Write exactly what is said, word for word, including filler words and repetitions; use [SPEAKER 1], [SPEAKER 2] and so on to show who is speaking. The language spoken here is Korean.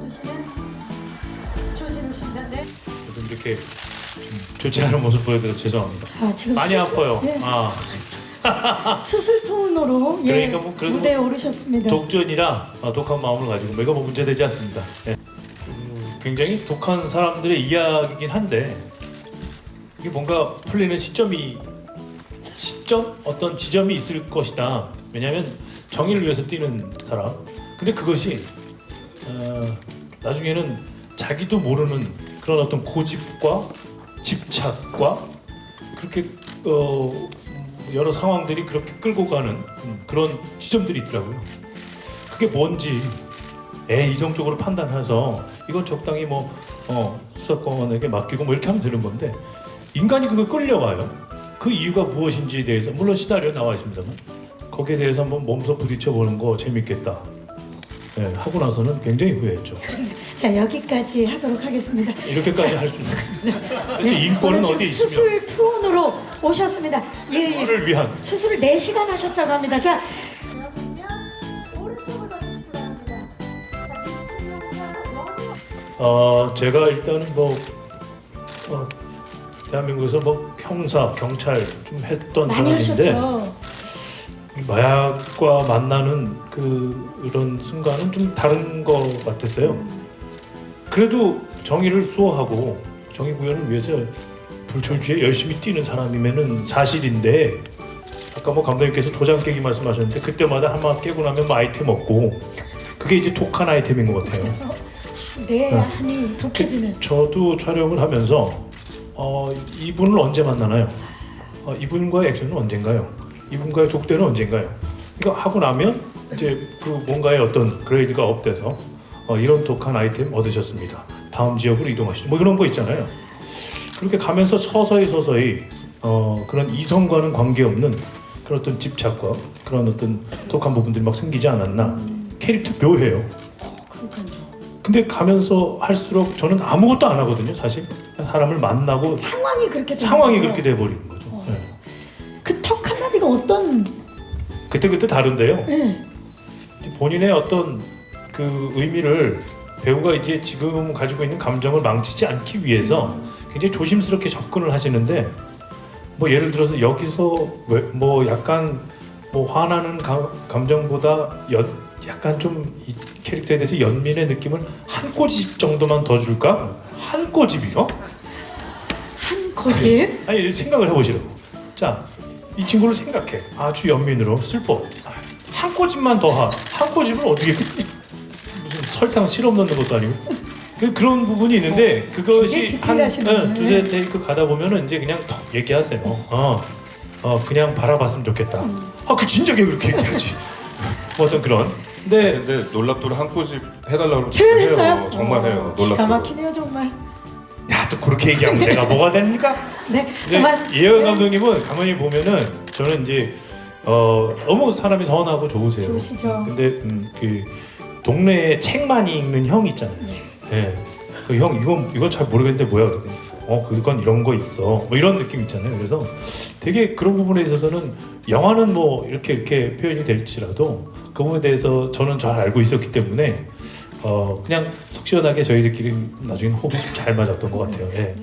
[SPEAKER 1] 주시는 조진웅 씨입니다. 네.
[SPEAKER 2] 좀 이렇게 좀 좋지 않은 모습 보여드려서 죄송합니다.
[SPEAKER 1] 자, 지금
[SPEAKER 2] 많이
[SPEAKER 1] 수술,
[SPEAKER 2] 아파요.
[SPEAKER 1] 예.
[SPEAKER 2] 아,
[SPEAKER 1] 수술 톤으로 예,
[SPEAKER 2] 그러니까 뭐 그래도
[SPEAKER 1] 무대에 오르셨습니다.
[SPEAKER 2] 독전이라 어, 독한 마음을 가지고 뭐가 뭐 문제되지 않습니다. 예. 음, 굉장히 독한 사람들의 이야기긴 한데 이게 뭔가 풀리는 시점이 시점 어떤 지점이 있을 것이다. 왜냐하면 정의를 위해서 뛰는 사람. 근데 그것이 어, 나중에는 자기도 모르는 그런 어떤 고집과 집착과 그렇게 어, 여러 상황들이 그렇게 끌고 가는 음, 그런 지점들이 있더라고요. 그게 뭔지 에 이성적으로 판단해서 이건 적당히 뭐 어, 수사권에게 맡기고 뭐 이렇게 하면 되는 건데 인간이 그걸 끌려가요. 그 이유가 무엇인지에 대해서 물론 시나리오 나와 있습니다만 거기에 대해서 한번 몸소 부딪혀 보는 거 재밌겠다. 네, 하고 나서는 굉장히 후회했죠.
[SPEAKER 1] 자, 여기까지 하도록 하겠습니다.
[SPEAKER 2] 이렇게까지 할 수 있는. 대체 인권은
[SPEAKER 1] 오늘 지금
[SPEAKER 2] 어디 있으며?
[SPEAKER 1] 수술 투혼으로 오셨습니다. 예, 예.
[SPEAKER 2] 인권을 위한.
[SPEAKER 1] 수술을 네 시간 하셨다고 합니다. 자,
[SPEAKER 3] 들어서면 오른쪽을 봐주시기 바랍니다. 자, 빛은 용사 원우.
[SPEAKER 2] 어 제가 일단은 뭐 어, 대한민국에서 뭐 형사, 경찰 좀 했던
[SPEAKER 1] 많이
[SPEAKER 2] 사람인데
[SPEAKER 1] 하셨죠.
[SPEAKER 2] 마약과 만나는 그 이런 순간은 좀 다른 것 같았어요. 그래도 정의를 수호하고 정의 구현을 위해서 불철주에 열심히 뛰는 사람이면은 사실인데 아까 뭐 감독님께서 도장 깨기 말씀하셨는데 그때마다 한마 깨고 나면 뭐 아이템 얻고 그게 이제 독한 아이템인 것 같아요.
[SPEAKER 1] 네,
[SPEAKER 2] 어.
[SPEAKER 1] 한이 독해지는.
[SPEAKER 2] 저도 촬영을 하면서 어, 이분을 언제 만나나요? 어, 이분과의 액션은 언젠가요? 이분과의 독대는 언젠가요? 이거 하고 나면 이제 그 뭔가의 어떤 그레이드가 업돼서 어, 이런 독한 아이템 얻으셨습니다. 다음 지역으로 이동하시죠. 뭐 그런 거 있잖아요. 그렇게 가면서 서서히 서서히 어, 그런 이성과는 관계없는 그런 어떤 집착과 그런 어떤 독한 부분들이 막 생기지 않았나. 캐릭터 묘해요.
[SPEAKER 1] 어, 그러니까요.
[SPEAKER 2] 근데 가면서 할수록 저는 아무것도 안 하거든요. 사실 그냥 사람을 만나고
[SPEAKER 1] 상황이 그렇게 되는
[SPEAKER 2] 상황이
[SPEAKER 1] 거죠.
[SPEAKER 2] 그렇게 돼버리는 거죠.
[SPEAKER 1] 어.
[SPEAKER 2] 네.
[SPEAKER 1] 그 턱 한마디가 어떤
[SPEAKER 2] 그때 그때 다른데요.
[SPEAKER 1] 예.
[SPEAKER 2] 본인의 어떤 그 의미를 배우가 이제 지금 가지고 있는 감정을 망치지 않기 위해서 굉장히 조심스럽게 접근을 하시는데 뭐 예를 들어서 여기서 왜- 뭐 약간 뭐 화나는 가, 감정보다 연, 약간 좀 이 캐릭터에 대해서 연민의 느낌을 한 꼬집 정도만 더 줄까? 한 꼬집이요?
[SPEAKER 1] 한 거짓.
[SPEAKER 2] 아니 생각을 해보시라고. 자, 이 친구를 생각해. 아주 연민으로 슬퍼. 한 꼬집만 더 하. 한 꼬집을 어떻게 무슨 설탕 시럽 넣는 것도 아니고 그- 그런 부분이 있는데 그것이
[SPEAKER 1] 굉장히
[SPEAKER 2] 한
[SPEAKER 1] 디테일하시네.
[SPEAKER 2] 어, 두세 테이크 가다 보면은 이제 그냥 턱 얘기하세요. 어, 어 그냥 바라봤으면 좋겠다. 아, 그 진작에 그렇게 얘기하지. 뭐 어떤 그런. 근데
[SPEAKER 4] 근데 놀랍도록 한 꼬집 해달라고
[SPEAKER 1] 표현했어요?
[SPEAKER 4] 해요. 정말 해요.
[SPEAKER 1] 어, 기가
[SPEAKER 4] 놀랍도록.
[SPEAKER 1] 막히네요 정말.
[SPEAKER 2] 야, 또 그렇게 얘기하면 내가 뭐가 됩니까?
[SPEAKER 1] 네,
[SPEAKER 2] 근데
[SPEAKER 1] 정말.
[SPEAKER 2] 이혜원
[SPEAKER 1] 네,
[SPEAKER 2] 감독님은 가만히 보면은 저는 이제 어, 너무 사람이 선하고 좋으세요.
[SPEAKER 1] 좋으시죠.
[SPEAKER 2] 근데 음, 그 동네에 책 많이 읽는 형 있잖아요. 예. 그 형 이건 이건 잘 모르겠는데 뭐야 그랬더니 어 그건 이런 거 있어. 뭐 이런 느낌 있잖아요. 그래서 되게 그런 부분에 있어서는 영화는 뭐 이렇게 이렇게 표현이 될지라도 그 부분에 대해서 저는 잘 알고 있었기 때문에 어 그냥 속 시원하게 저희들끼리 나중에 호흡이 좀 잘 맞았던 것 같아요. 예.